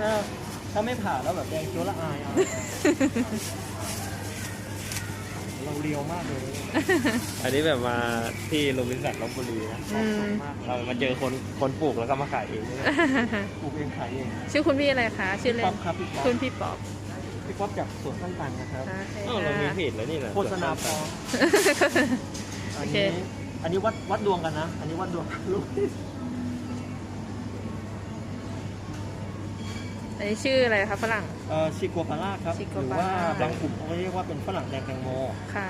ถ้าไม่ผ่าแล้วแบบแดงเขียวละอายเอาเราเรียวมากเลยอันนี้แบบมาที่โรบินสันลพบุรีนะเรามาเจอคนปลูกแล้วก็มาขายเองปลูกเองขายเองชื่อคุณพี่อะไรคะชื่อเล่นป๊อปครับพี่ป๊อปคุณพี่ป๊อปพี่ป๊อปจากสวนต้นตันนะครับเรามีเพจแล้วนี่แหละโฆษณาพอโออันเคนี้อันนี้วัดดวงกันนะ อันนี้วัดดวงลูกอันนี้ชื่ออะไรคะฝรั่งชิโกปาร่าครับชิโกหรือปาว่าร่าบางกลุ่มเขาเรียกว่าเป็นฝรั่งแดงแตงโมค่ะ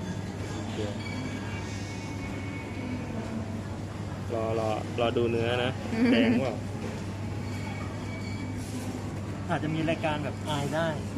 รอดูเนื้อนะ แดงว่าอาจจะมีรายการแบบอายได้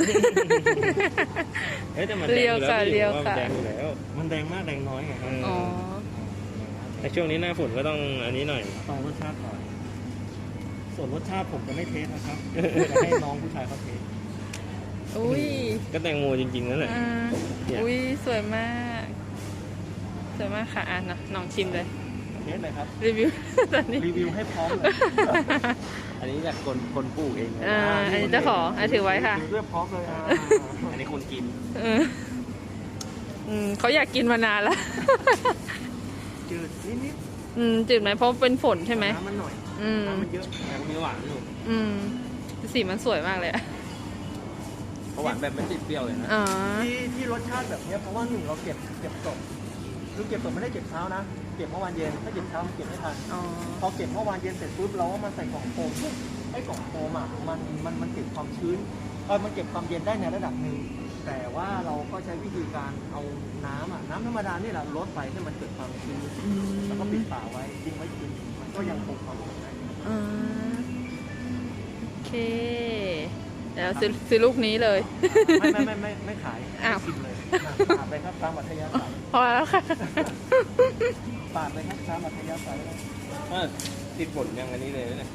เฮ้ยแต่มันแดงอยู่แล้วพี่ว่ามันแดงอยู่แล้วมันแดงมากแดงน้อยไงครับอ๋อแต่ช่วงนี้หน้าฝนก็ต้องอันนี้หน่อยต้องรสชาติหน่อยส่วนรสชาติผมจะไม่เทสนะครับ จะให้น้องผู้ชายเขาเทสอุ้ยก็แตงโมจริงๆนั่นแหละอ่าเนี่ยอุ้ยสวยมากสวยมากค่ะอ่ะน้องชิมเลยเทสเลยครับรีวิว ตอนนี้รีวิวให้พร้อมเลยอันนี้จากคนปลูกเองนะอ่าอันนี้เจ้าของถือไว้ค่ะถือด้วยพร้อมเลยอันนี้คนกินเออเขาอยากกินมานานแล้วจืดนิดจืดไหมเพราะเป็นฝนๆใช่ไหมน้ำมันหน่อยอืมน้ำมันเยอะแต่ก็มีหวานอยู่สีมันสวยมากเลยอะเพราะหวานแบบไม่ติดเปรี้ยวเลยนะอ๋อที่รสชาติแบบเนี้ยเพราะว่าหนึ่งเราเก็บสดคือเก็บสดไม่ได้เก็บเช้านะเก็บเมื่อวานเย็นถ้าเก็บเช้ามันเก็บไม่ทันอ๋อพอเก็บเมื่อวานเย็นเสร็จปุ๊บเราก็มาใส่กล่องโฟมปุ๊บไอ้กล่องโฟมอ่ะมันเก็บความชื้นมันเก็บความเย็นได้ในระดับหนึ่งแต่ว่าเราก็ใช้วิธีการเอาน้ำธรรมดานี่แหละลดไปให้มันเกิดความชื้นแล้วก็ปิดฝาไว้ทิ้งไว้คืนมันก็ยังคงความสดได้อ่าโอเค เดี๋ยวซื้อลูกนี้เลยไม่ขายอ้าวชิมเลยปาดไปครับตามอัธยาศัยพอแล้วค่ะปาดไปครับตามอัธยาศัยเลยติดฝนยังอันนี้เลยเนี่ย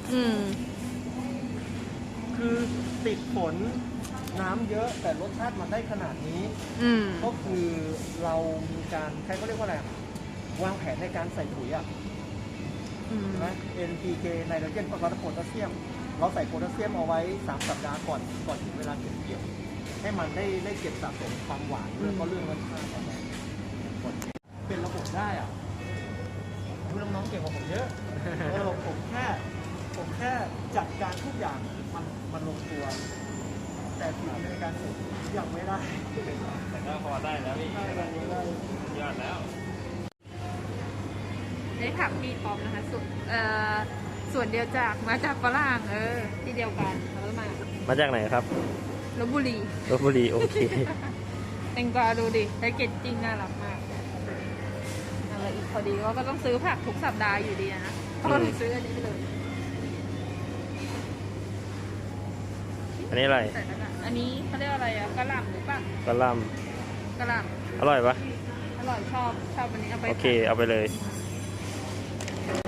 คือติดฝนน้ำเยอะแต่รสชาติมันได้ขนาดนี้ ก็คือเรามีการใครก็เรียกว่าอะไรอะวางแผนในการใส่ปุ๋ยอ่ะใช่ไหม NPK ไนโตรเจนฟอสฟอรัสโพแทสเซียม เราใส่โพแทสเซียมเอาไว้3 สัปดาห์ก่อนถึงเวลาเก็บเกี่ยว ให้มันได้เก็บสะสมความหวานแล้วก็เรื่องรสชาติอะไรเป็นระบบได้อ่ะคุณน้องๆเก่งกว่าผมเยอะผมแค่จัดการทุกอย่างมันลงตัว แต่ฝีมือในการฝึกยังไม่ได้แต่ก็พอได้แล้วพี่ได้ยอดแล้วได้ถามพี่ป๊อปนะคะส่วนเดียวมาจากฝรั่งที่เดียวกันแล้วมาจากไหนครับลพบุรีลพบุรีโอเคแตงกวาดูดิแพ็กเกจจิ้งน่ารักมากอะไรอีกพอดีว่าก็ต้องซื้อผักทุกสัปดาห์อยู่ดีนะก็เลยซื้ออันนี้ไปเลยอันนี้อะไรแต่ละอันนี้เขาเรียกอะไรอะกะหล่ำหรือเปล่ากะหล่กะหล่ำอร่อยปะำอร่อยชอบอันนี้เอาไปโอเคเอาไปเลยใ